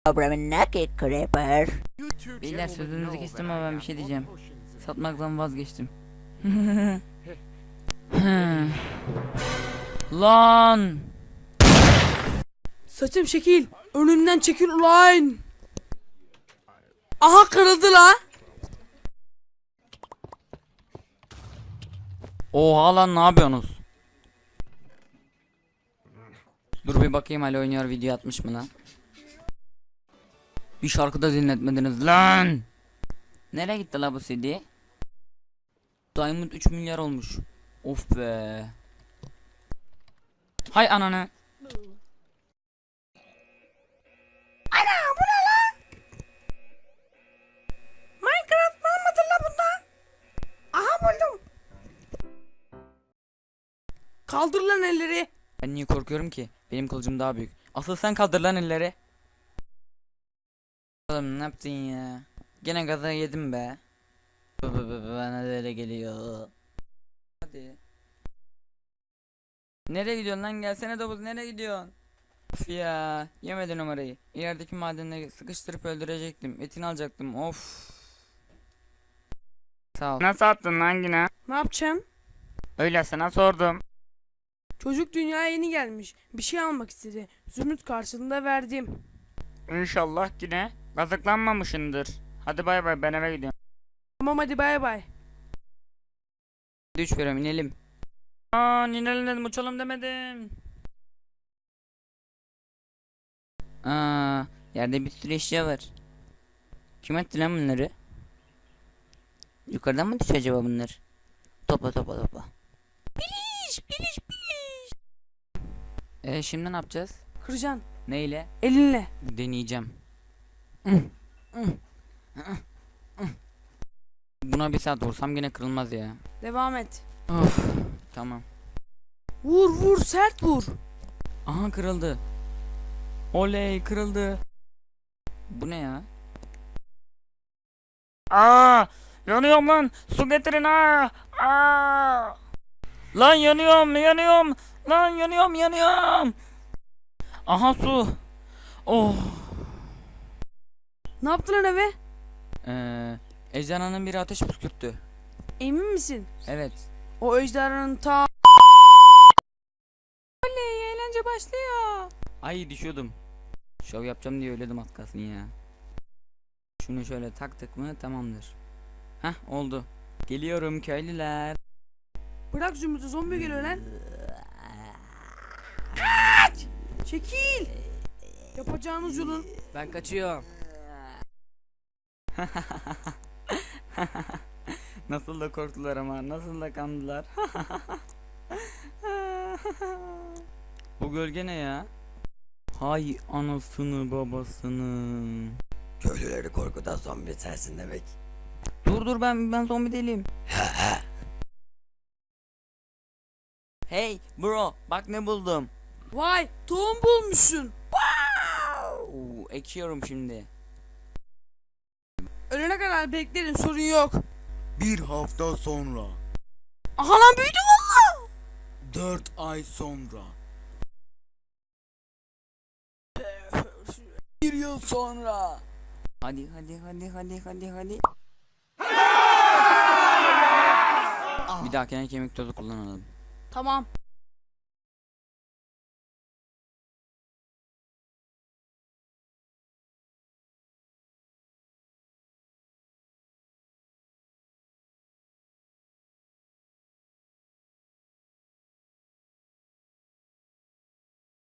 Naked Creeper. Beyler sözünüzü kestim ama ben bir şey diyeceğim. Satmaktan vazgeçtim. Lan! Saçım şekil. Önümden çekil ulan. Aha kırıldı la. Oha lan, ne yapıyorsunuz? Dur bir bakayım, hala oynuyor, video atmış mı lan? Bir şarkı da dinletmediniz lan! Nereye gitti la bu CD? Diamond 3 milyar olmuş. Of be. Hay ananı. Minecraft var mıdır la bunda? Aha buldum. Kaldır lan elleri. Ben niye korkuyorum ki? Benim kılıcım daha büyük. Asıl sen kaldır lan elleri. Oğlum ne yaptın ya? Gene gaza yedim be. Bana da öyle geliyor. Hadi. Nereye gidiyorsun lan? Gelsene Davut, nereye gidiyorsun? Of ya, yemedi numarayı. İlerideki madenle sıkıştırıp öldürecektim. Etini alacaktım. Of. Sağ ol. Nasıl attın lan yine? Ne yapacaksın? Öyle sana sordum. Çocuk dünyaya yeni gelmiş. Bir şey almak istedi. Zümrüt karşılığında verdim. İnşallah yine kazıklanmamışındır. Hadi bay bay, ben eve gidiyorum. Tamam hadi bay bay. 3 veriyorum, inelim. Aa, inelim dedim, uçalım demedim. Aa, yerde bir sürü eşya var. Kim etti lan bunları? Yukarıdan mı düşüyor acaba bunlar? Topla topla topla. Biliş. Şimdi ne yapacağız? Kıracaksın. Neyle? Elinle. Deneyeceğim. Buna bir saat vursam gene kırılmaz ya. Devam et. Of, tamam. Vur sert vur. Aha, kırıldı. Oley, kırıldı. Bu ne ya? Aa, yanıyorum lan. Su getirin ha. Aa! Lan yanıyorum. Lan yanıyorum. Aha, su. Oh. Ne yaptın lan eve? Ejderhanın biri ateş püskürttü. Emin misin? Evet. O ejderhanın ta... Oley, eğlence başlıyor. Ay, düşüyordum. Şov yapacağım diye öledim az kalsın ya. Şunu şöyle taktık mı tamamdır. Hah, oldu. Geliyorum köylüler. Bırak Zümrüt'ü, zombi geliyor lan. Kaç! Çekil! Yapacağınız yolun... Ben kaçıyorum. Nasıl da korktular ama, nasıl da kandılar. Bu gölge ne ya? Hay anasını babasını. Köylüleri korkutan zombi sensin demek. Dur, ben zombi değilim. Hey bro, bak ne buldum. Vay, tohum bulmuşsun. Ekiyorum şimdi. Ölene kadar beklerim, sorun yok. Bir hafta sonra, Aha lan, büyüdü valla. 4 ay sonra, 1 yıl sonra. Hadi. Bir dahakine kemik tozu kullanalım. Tamam.